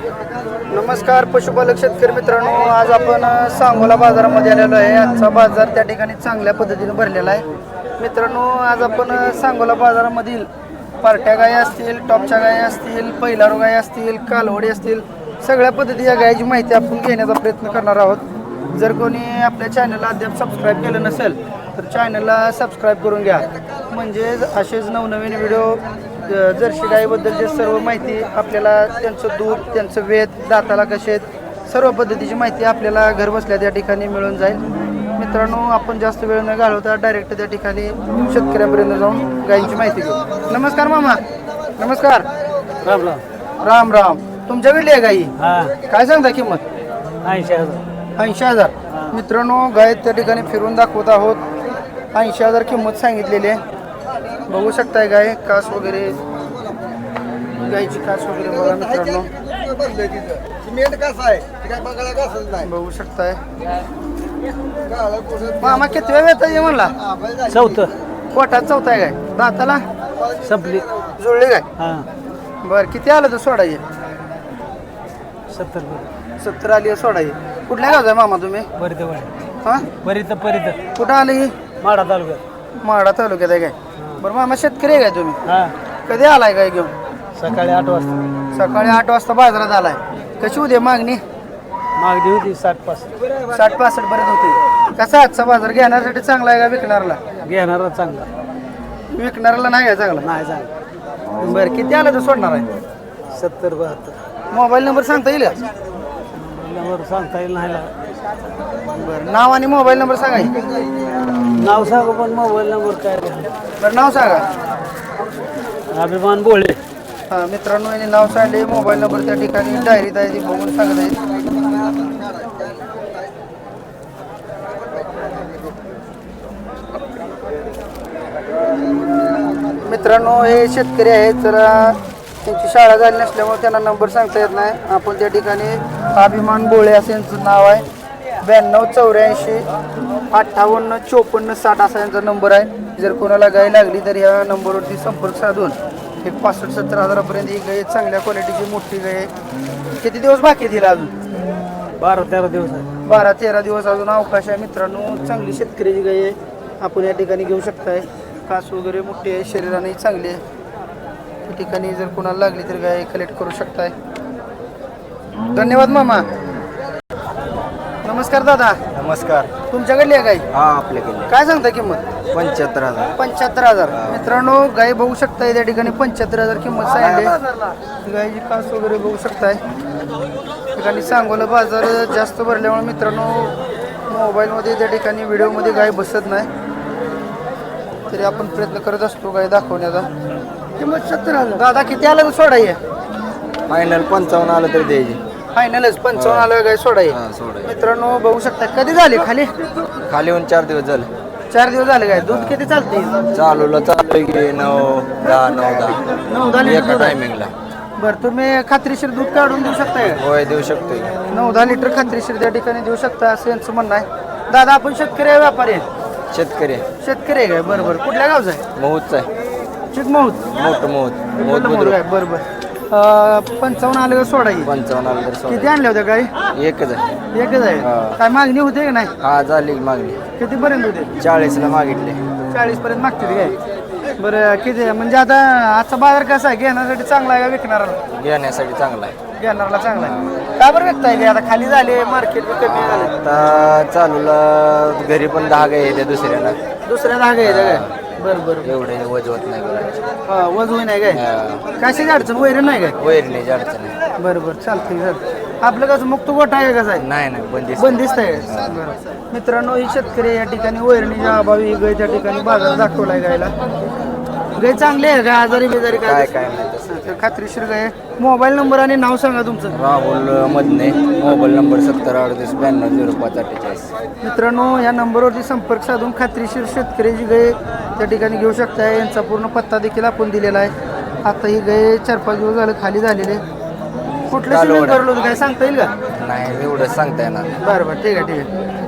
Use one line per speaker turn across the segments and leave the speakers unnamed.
नमस्कार पशुपालक शेतकरी मित्रांनो, आज आपण सांगोला बाजारामध्ये आलेलो आहे। आजचा बाजार त्या ठिकाणी चांगल्या पद्धतीने भरलेला आहे। मित्रांनो, आज आपण सांगोला बाजारामधील पार्ट्या गायी असतील, टॉपच्या गायी असतील, पहिलारू गायी असतील, कालवडी असतील, सगळ्या पद्धतीच्या गायीची माहिती आपण घेण्याचा प्रयत्न करणार आहोत। जर कोणी आपल्या चॅनलला अद्याप सबस्क्राईब केलं नसेल तर चॅनलला सबस्क्राईब करून घ्या, म्हणजे असेच नवनवीन व्हिडिओ जर्सी गायीबद्दलची सर्व माहिती आपल्याला, त्यांचं दूध, त्यांचं वेद, दाताला कसे आहेत, सर्व पद्धतीची माहिती आपल्याला घर बसल्या त्या ठिकाणी मिळून जाईल। मित्रांनो, आपण जास्त वेळ न घालवता डायरेक्ट त्या ठिकाणी शेतकऱ्यांपर्यंत जाऊन गायींची माहिती घेऊ। नमस्कार मामा. नमस्कार.
राम राम.
राम राम. तुमच्याकडली आहे गाई? काय सांगता किंमत?
80,000.
80,000. मित्रांनो, गाय त्या ठिकाणी फिरून दाखवत आहोत। 80,000 किंमत सांगितलेली आहे। बघू शकताय गाय, कास वगैरे, गायची कास वगैरे बघा मित्रांनो, बघू शकताय। मामा किती वेळ येत म्हणला?
चौथं.
पोटात चौथा आहे गाय, दाताला
संपली.
जुळली गाय.
हां.
बरं, किती आलं तर सोडायचे?
70.
70 आली सोडायची। कुठल्या गावचा आहे मामा तुम्ही? हां,
परित
कुठं आलं ही?
माडा तालुक्यात.
माडा तालुक्यात आहे काय? बरं मामा, शेतकरी आहे काय तुम्ही?
हां.
कधी आलाय काय घेऊन?
सकाळी 8 वाजता.
सकाळी 8 वाजता बाजारात आलाय। कशी उद्या मागणी?
मागणी होती 60-65.
60-65 पर्यंत होते। कसा आजचा बाजार घेण्यासाठी चांगला आहे का विकणारला?
घेणारा चांगला,
विकणाऱ्याला नाही आहे चांगला?
नाही चांगला.
बरं, किती आलं तर सोडणार आहे?
70-72.
मोबाईल नंबर सांगता येईल का?
नंबर सांगता येईल नाही.
बरं, नाव आणि मोबाईल नंबर सांगा की.
नाव सांगू पण मोबाईल नंबर काय नाही.
बरं, नाव सांगा.
अभिमान बोळे.
हां मित्रांनो, यांनी नाव सांगले, मोबाईल नंबर त्या ठिकाणी डायरीत आहे, ती बघून सांगत आहे। मित्रांनो, हे शेतकरी आहेत, जरा त्यांची शाळा झाली नसल्यामुळे त्यांना नंबर सांगता येत नाही। आपण त्या ठिकाणी अभिमान बोळे असं यांचं नाव आहे। 92 84 58 60 असा यांचा नंबर आहे। जर कोणाला गाय लागली तर ह्या नंबरवरती संपर्क साधून एक 65-70 हजारापर्यंत ही गाय चांगल्या क्वालिटीची मोठी गाय आहे। किती दिवस बाकी तिला? अजून
12-13 दिवस आहे.
12-13 दिवस अजून अवकाश आहे। मित्रांनो, चांगली शेतकऱ्याची गाय आहे, आपण या ठिकाणी घेऊ शकताय। कास वगैरे मोठी आहे, शरीराने चांगली आहे। या ठिकाणी जर कोणाला लागली तर गाय कलेक्ट करू शकताय। धन्यवाद मामा. नमस्कार दादा.
नमस्कार.
तुमच्याकडली आहे गाय?
हा, आपल्याकडे
काय सांगता किंमत?
75,000.
75,000. मित्रांनो, गाय बघू शकताय त्या ठिकाणी 75,000 किंमत सांगितली। गायची कास वगैरे बघू शकताय। ठिकाणी सांगोला बाजार जास्त भरल्यामुळे मित्रांनो, मोबाईलमध्ये त्या ठिकाणी व्हिडिओमध्ये गाय बसत नाही, तरी आपण प्रयत्न करत असतो गाय दाखवण्याचा। किंमत 70,000. दादा, किती आलं तर सोडाय?
फायनल 55 आलं तर द्यायची.
फायनलच 55 आलं गाय सोडाय। मित्रांनो, बघू शकता कधी झाली खाली?
खाली येऊन 4 दिवस झाले.
4 दिवस झाले काय? दूध किती चालते?
चालू की 9-10 एका टायमिंगला.
बरं, तुम्ही खात्रीशीर दूध काढून देऊ शकताय का?
होय, देऊ शकतो.
9-10 लिटर खात्रीशीर त्या ठिकाणी देऊ शकता असं यांचं म्हणणं आहे। दादा, आपण शेतकरी आहे व्यापारी आहे?
शेतकरी
शेतकरी आहे काय? बरं बरं. कुठल्या गावचं आहे?
महूतच आहे.
चिकमहूत.
मोठं
बरं बरं. 55 आलं का सोडायची?
55 आलं तर
किती आणल्या होत्या गाई?
एकच आहे.
एकच आहे. काय मागणी होते का नाही?
हा, झाली मागणी.
किती पर्यंत होते?
40ला मागितले.
40 पर्यंत मागते काय? बरं, किती म्हणजे आता आजचा बाजार कसा आहे? घेण्यासाठी चांगला आहे का विकणारा?
घेण्यासाठी चांगला आहे.
घेणाराला चांगला आहे. का बरं विकताय काय? आता खाली झाले, मार्केट कमी झालं.
आता चालूला घरी पण 10 गाय येते दुसऱ्याला.
दुसऱ्या धागा आहे काय? बरं बरं.
एवढे वजवत नाही करायचे.
हा, वजवून नाही काय? कशाची अडचण? वैरण नाही काय?
वैरणीची अडचण आहे.
बरं बरं, चालतंय सर. आपलं कसं मुक्त गोठा आहे कसं आहे?
नाही,
बंदिस्त आहे. बरं. मित्रांनो, ही शेतकरी या ठिकाणी वैरणीच्या अभावी गाय त्या ठिकाणी बाजार दाखवलाय गायला। गाय चांगली आहे का? आजारी बेजारी
काय
काय?
नाही तसं.
खात्रीशीर गाय. मोबाईल नंबर आणि नाव सांगा तुमचं.
राहुल मधने. Mobile number 7038920548.
मित्रांनो, या नंबरवरती संपर्क साधून खात्रीशीर शेतकऱ्याची गाय त्या ठिकाणी घेऊ शकताय। यांचा पूर्ण पत्ता देखील आपण दिलेला आहे। आता ही गाय 4-5 दिवस झालं खाली झालेले। कुठलं सिमेंट भरलं होतं काय सांगता येईल का?
नाही, एवढं सांगता येणार.
बरं बरं, ठीक आहे.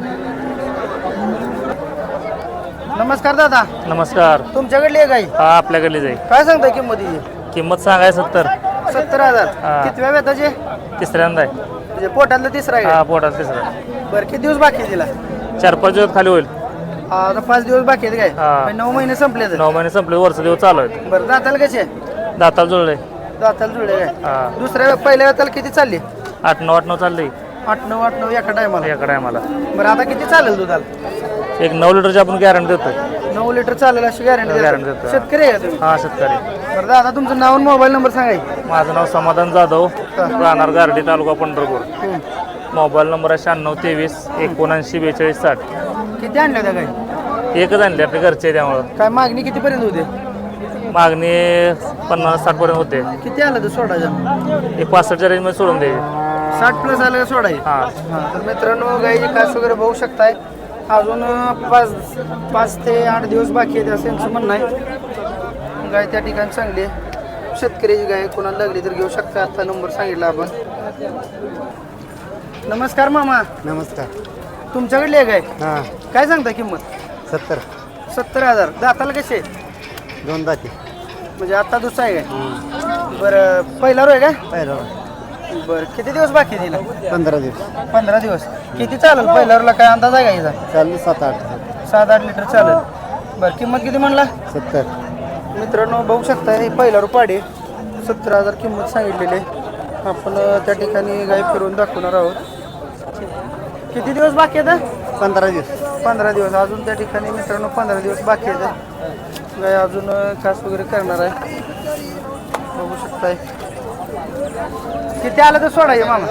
नमस्कार दादा.
नमस्कार.
तुमच्याकडली आहे गाय?
हा, आपल्याकडे जाईल.
काय सांगता किंमत?
किंमत सांगाय 70.
70,000
हा.
कितव्या वेताचे
तिसऱ्यांदा आहे
म्हणजे पोटातलं तिसरा आहे
हा
का?
पोटात तिसरा
बरं किती दिवस बाकी आहे तिला
4-5 दिवस खाली होईल
आता 5 दिवस बाकी आहेत काय
हा.
9 महिने संपले तर
9 महिने संपले वर्ष दिवस चालू आहेत
बरं दाताला कसे
दाताला जुळले
दाताला जुळले काय
हा
दुसऱ्या पहिल्या वेताला किती चालली
8-9 चालली
8-9 एका टायमाला
याकडे आम्हाला
बरं आता किती चालेल दुधाला
एक 9 लिटरची आपण गॅरंटी देतो
9 लिटर चालेल अशी गॅरंटी
Guarantee देतो.
शेतकरी आहे का तुम्ही
हा शेतकरी
बरं दादा तुमचं नाव आणि मोबाईल नंबर सांगाय
माझं नाव समाधान जाधव राहणार गारडी तालुका पंढरपूर मोबाईल नंबर आहे 96-23-79-42-60
किती आणल्या त्या काही
एकच आणले आपले घरचे त्यामुळं
काय मागणी कितीपर्यंत होते
मागणी 50-60 पर्यंत होते
किती आलं तर सोडायचं
एक 65च्या रेंजमध्ये सोडून द्यायचे
60 प्लस आलं का सोडायचं
हा
तर मित्रांनो गाईची कास वगैरे बघू शकताय अजून 5 ते 8 दिवस बाकी आहेत असं यांचं म्हणणं आहे गाय त्या ठिकाणी चांगली आहे शेतकऱ्याची गाय कोणाला लागली तर घेऊ शकता आता नंबर सांगितला आपण नमस्कार मामा
नमस्कार
तुमच्याकडली आहे गाय
हां
काय सांगता किंमत
70
70,000 दाताला कसे
2 दाती
म्हणजे आता दुसरा आहे काय बरं पहिला रो आहे काय
पहिला
बरं किती दिवस बाकी दिला
15 दिवस
15 दिवस किती चालेल पहिल्या रोला काय अंदाज आहे का याचा
चालली 7-8
7-8 लिटर चालेल बरं किंमत किती म्हणला
70
मित्रांनो बघू शकता हे पहिला रुपाडे 70,000 किंमत सांगितलेली आहे आपण त्या ठिकाणी गाय फिरवून दाखवणार आहोत किती दिवस बाकी आहेत
15 दिवस
15 दिवस अजून त्या ठिकाणी मित्रांनो 15 दिवस बाकी आहेत गाय अजून कास वगैरे करणार आहे बघू शकताय किती आलं तर सोडाय मामा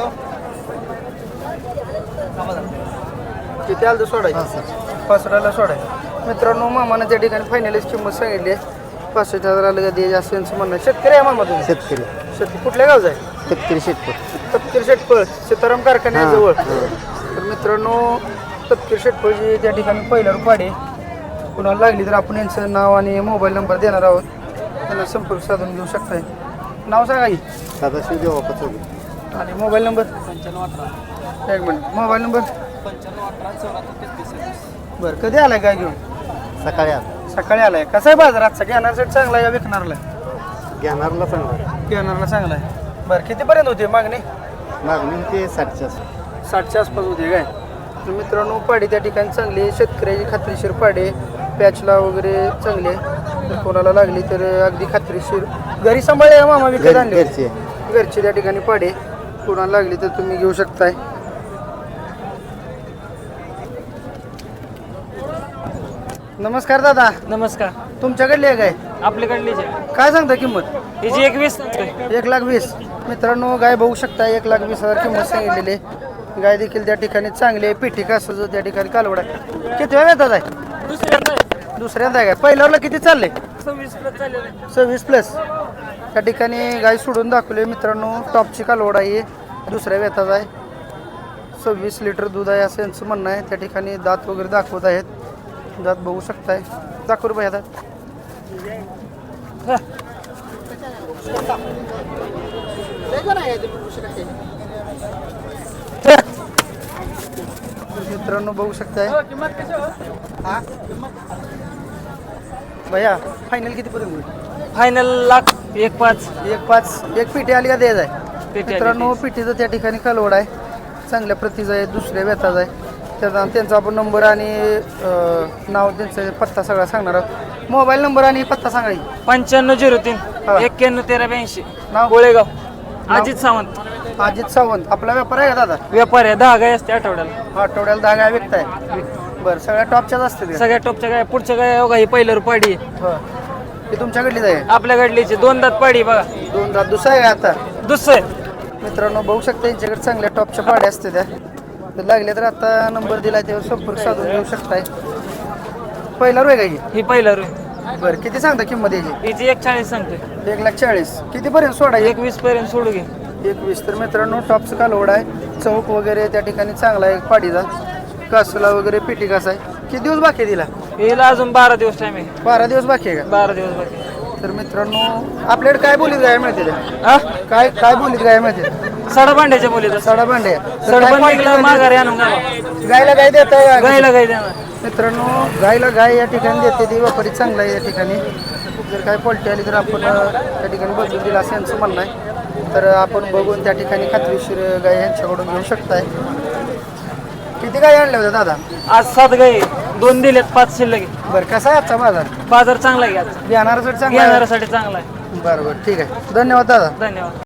किती आलं तर सोडाय 65,000 सोडाय मित्रांनो मामानं त्या ठिकाणी फायनलीच किंमत सांगितली आहे 65,000 आलं का दे असं यांचं म्हणणं आहे. शेतकरी आहे मामा तुम्ही
शेतकरी
शेतकरी कुठल्या गावचा आहे
शेतकरी शेतकरी
तपकीर शेटफळ सीताराम कारखान्याजवळ तर मित्रांनो तपकीर शेटफळची त्या ठिकाणी पहिला रुपाडे कुणाला लागली तर आपण यांचं नाव आणि मोबाईल नंबर देणार आहोत त्यांना संपर्क साधून घेऊ शकताय नाव सांगा की
सदाशिव देवा पचवली
आणि मोबाईल नंबर एक मिनिट मोबाईल नंबर बरं कधी आलाय काय घेऊन
सकाळी आला
सकाळी आलाय कसा आहे बाजार आजचा घेणारसाठी चांगला आहे का विकणारला
घेणारला चांगला
घेणारला चांगला आहे बरं कितीपर्यंत होते मागणी
मागणी ते 60च्या
60च्या आसपास होते काय तर मित्रांनो पाडी त्या ठिकाणी चांगली आहे शेतकऱ्याची खात्रीशीर पाडी पॅचला वगैरे चांगली आहे तर कोणाला लागली तर अगदी खात्रीशीर घरी सांभाळले का मामा विकत आणले
घरची
घरची त्या ठिकाणी पाडी कोणाला लागली तर तुम्ही घेऊ शकताय नमस्कार दादा
नमस्कार
तुमच्याकडली आहे काय
आपल्याकडलीच आहे
काय सांगता किंमत
हिची 21
1,20,000 मित्रांनो गाय बघू शकता 1,20,000 किंमत सांगितलेली आहे गाय देखील त्या ठिकाणी चांगली आहे पिठी कासाचं त्या ठिकाणी कालवड आहे किती वेळ येतात आहे दुसऱ्यांदा आहे काय पहिल्यावरला किती चालले 26 प्लस त्या ठिकाणी गाय सोडून दाखवली मित्रांनो टॉपची कालवड आहे दुसऱ्या वेताचा आहे 26 लिटर दूध आहे असं यांचं म्हणणं आहे त्या ठिकाणी दात वगैरे दाखवत आहेत दात बघू शकताय दाखवू रुपये दात मित्रांनो बघू शकताय भैया फायनल किती पर्यंत होईल
फायनल लाख 1.5
एक पिठी आली का द्यायचं आहे
पेटी
मित्रांनो पिठीचं त्या ठिकाणी कालवड आहे चांगल्या प्रतीचं आहे दुसऱ्या व्यथाचा आहे त्यांचा आपण नंबर आणि नाव त्यांचं पत्ता सगळा सांगणार आहोत मोबाईल नंबर आणि पत्ता सांगा की.
9503
हा.
911382
नाव
गोळेगाव अजित सावंत
अजित सावंत आपला व्यापार आहे का दादा
व्यापारी आहे 10 गाय असते आठवड्याला
आठवड्याला 10 गाय विकताय बरं सगळ्या टॉपच्याच असते का?
सगळ्या टॉपच्या गाय पुढच्या गाय हो का ही पहिलं पाडी
हो ती तुमच्याकडलीच आहे
आपल्याकडलीची 2 दात पाडी बघा
2 दात दुसरा आहे का आता
दुसरं
मित्रांनो बघू शकता यांच्याकडे चांगल्या टॉपच्या पाड्या असते त्या तर लागले तर आता नंबर दिला त्यावर संपर्क साधून घेऊ शकताय पहिला रोय का
ही पहिलं रू
बरं किती सांगता किंमत याची
हिची 140 सांगते
1,40,000 कितीपर्यंत सोडा
21 पर्यंत सोडू घे
21 तर मित्रांनो टॉपचं कालवड आहे चौक वगैरे त्या ठिकाणी चांगला आहे पाडीचा कासला वगैरे पिठी कास आहे किती दिवस बाकी आहे तिला
हिला अजून 12 दिवस टाइम आहे
12 दिवस बाकी आहे
12 दिवस बाकी
का तर मित्रांनो आपल्याकडे काय बोलीत गाय मिळते त्या?
हा
काय बोलीत गाय मिळते
सडभांड्याच्या बोलीत
सडा भांडे तर काय
सडभांडीला
quality
माघारी आणून घाला.
मध्ये? गायला गाय देताय
गायला गाय देणार
मित्रांनो गायला गाय या ठिकाणी देते ती व्यापारी चांगला आहे या ठिकाणी जर काय पलटी आली तर आपण त्या ठिकाणी बदलून दिला असं यांचं म्हणणं आहे तर आपण बघून त्या ठिकाणी खात्रीशीर गाय यांच्याकडून घेऊ शकताय. किती गाय आणल्या होत्या दादा?
आज 7 गाई 2 दिलेत 5 शिल्लक आहे.
बरं कसा आहे आजचा बाजार?
बाजार चांगला आहे आजचा.
घेणाऱ्यासाठी चांगला आहे?
घेणाऱ्यासाठी चांगला आहे.
बरं बरं ठीक आहे, धन्यवाद दादा.
धन्यवाद.